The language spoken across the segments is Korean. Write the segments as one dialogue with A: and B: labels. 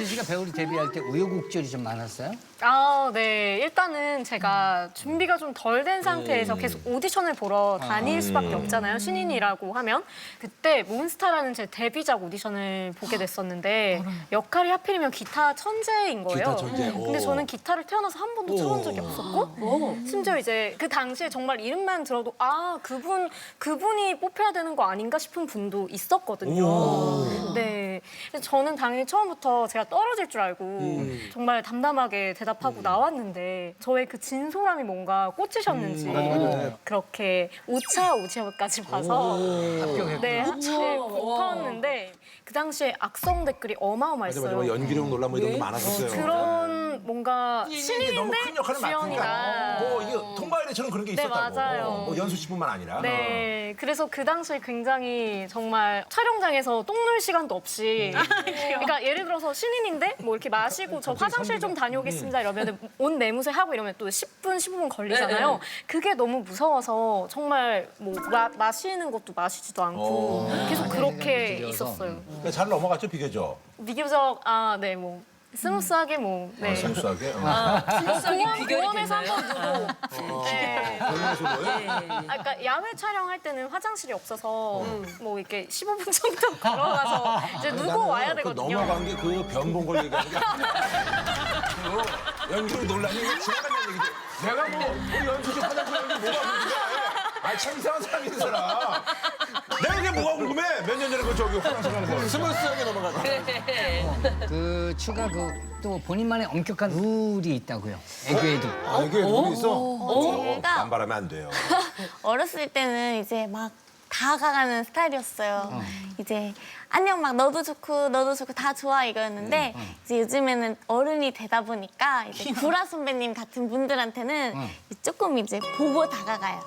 A: 씨가 배우로 데뷔할 때 우여곡절이 좀 많았어요?
B: 아, 네. 일단은 제가 준비가 좀 덜 된 상태에서 계속 오디션을 보러 다닐 수밖에 없잖아요. 신인이라고 하면. 그때 몬스타라는 제 데뷔작 오디션을 보게 됐었는데 역할이 하필이면 기타 천재인 거예요.
C: 기타 천재.
B: 근데 저는 기타를 태어나서 한 번도 쳐본 적이 없었고 심지어 이제 그 당시에 정말 이름만 들어도 아, 그분이 뽑혀야 되는 거 아닌가 싶은 분도 있었거든요. 네. 그래서 저는 당연히 처음부터 제가 떨어질 줄 알고 정말 담담하게 대답하고 나왔는데 저의 그 진솔함이 뭔가 꽂히셨는지 그렇게 오차 오지까지 봐서 네, 붙었는데 그 당시에 악성 댓글이 어마어마했어요.
C: 맞아. 연기력 논란 뭐 이런 거 많았었어요.
B: 그런 뭔가
C: 이게 너무
B: 신인인데
C: 큰 역할을 맡으니까
B: 주연이다.
C: 뭐 이게 통과일에처럼 그런 게
B: 네,
C: 있었다고.
B: 맞아요.
C: 뭐 연수 씨뿐만 아니라.
B: 네, 그래서 그 당시에 굉장히 정말 촬영장에서 똥 눌 시간도 없이 그러니까 예를 들어서 신인인데 뭐 이렇게 마시고 저 화장실 좀 다녀오겠습니다 이러면 옷 내무새 하고 이러면 또 10분, 15분 걸리잖아요. 그게 너무 무서워서 정말 뭐 마시는 것도 마시지도 않고 계속 그렇게 있었어요.
C: 근데 잘 넘어갔죠, 비교적.
B: 비교적 네, 뭐 스무스하게 뭐 네.
C: 스무스하게.
B: 공원에서 한번 누고 네. 그러니까 야외 촬영할 때는 화장실이 없어서 뭐 이렇게 15분 정도 걸어가서 이제 누고 와야 되거든요.
C: 넘어간 게 그 변본 걸 얘기하는 게 아니라 그 연기력 논란이 지나간 얘기지. 내가 뭐 연수 씨 화장실 연기 뭐가 궁금해? 참 이상한 사람이 있어라. 내가 이게 뭐가 궁금해? 몇 년 전에 그 저기 화장실 가는 거. 스무스하게 넘어갔다.
A: 그 추가 또 본인만의 엄격한 룰이 있다고요. 애교에도.
C: 이게 룰이 있어?
D: 제가
C: 남발하면 안 돼요.
D: 어렸을 때는 이제 막 다가가는 스타일이었어요. 이제 안녕 막 너도 좋고 다 좋아 이거였는데 이제 요즘에는 어른이 되다 보니까 이제 구라 선배님 같은 분들한테는 조금 이제 보고 다가가요.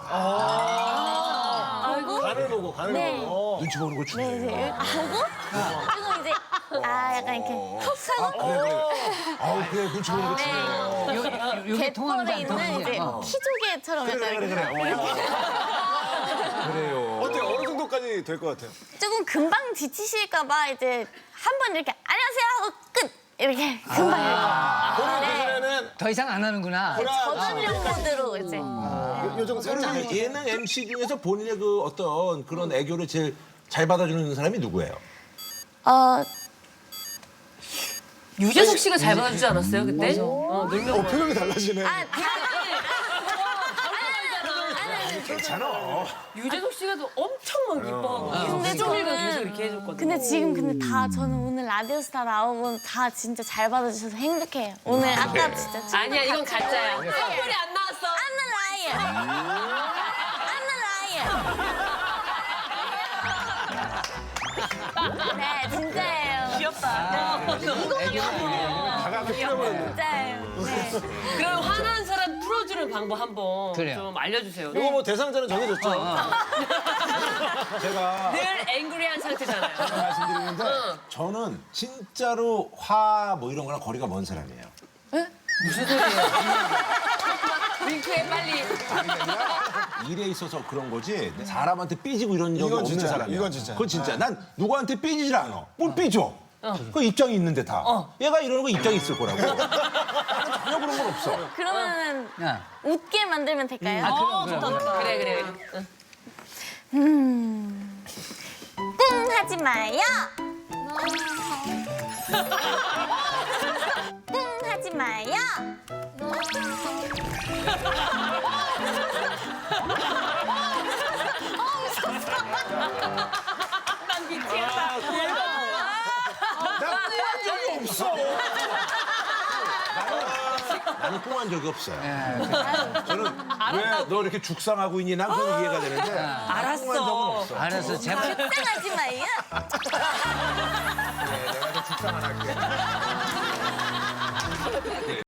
C: 간을 보고, 간을
D: 네.
C: 보고. 눈치 보는 거
D: 네,
C: 중요해요.
D: 이제 보고 그리고 이제 약간 이렇게 헉 하고
C: 아우, 그래, 눈치 보는 거 중요해요.
A: 여기 통하는지
D: 갯벌에
A: 안
D: 있는 이제
A: 통하는지.
D: 키조개처럼 약간
C: 그래. 그래요.
E: 어때요? 어느 정도까지 될 것 같아요?
D: 조금 금방 지치실까 봐 이제 한 번 이렇게 안녕하세요 하고 끝 이렇게 금방
E: 본인
D: 네.
E: 기준에는
A: 더 이상 안 하는구나.
D: 저전력 모드로 이제
E: 요즘 새로
C: 예능 MC 중에서 본인의 그 어떤 그런 애교를 제일 잘 받아주는 사람이 누구예요?
F: 유재석 씨가 잘 받아주지 않았어요 그때? 놀면
E: 표정이 달라지네.
C: 괜찮아.
F: 유재석 씨가 또 엄청 막 예뻐하고
D: 근데
F: 수정이가
D: 저는-
F: 계속 이렇게 해줬거든요.
D: 근데 지금 다 저는 오늘 라디오스타 나오고 다 진짜 잘 받아주셔서 행복해요. 오늘 아까 진짜
F: 아니야 이건 가짜야. 선물이 안 나왔어.
D: I'm a liar. 네 진짜예요.
F: 귀엽다.
D: 진짜예요. 네.
F: 그럼 화난 사람 풀어주는 방법 한번
A: 그래요.
F: 좀 알려주세요.
E: 이거 뭐 대상자는 정해졌죠?
C: 제가
F: 늘 앵그리한 상태잖아요.
C: 말씀드리는데 저는 진짜로 화 뭐 이런 거랑 거리가 먼 사람이에요.
F: 무슨 소리예요? 윙크해 빨리.
C: 일에 있어서 그런 거지 사람한테 삐지고 이런 적이
E: 이건
C: 없는
E: 진짜야.
C: 사람이야.
E: 이건 진짜야.
C: 그건 진짜. 난 누구한테 삐지질 않아. 뭘 삐져? 그 입장이 있는데 다. 얘가 이러는 거 입장이 있을 거라고. 나는 전혀 그런 건 없어.
D: 그러면은
A: 야.
D: 웃게 만들면 될까요?
F: 그래.
D: 꿍 하지 마요. 꿍 하지 마요.
F: 난 미치겠다.
C: 난 꿍한 적이 없어. 나는 꿍한 적이 없어요. 저는 왜 너 이렇게 죽상하고 있니? 난 그건 이해가 되는데.
F: 알았어.
C: 꿍한 적은 없어.
A: 알았어, 제발.
D: 꿍 하지 마요.
C: 내가 좀 죽상 안 할게.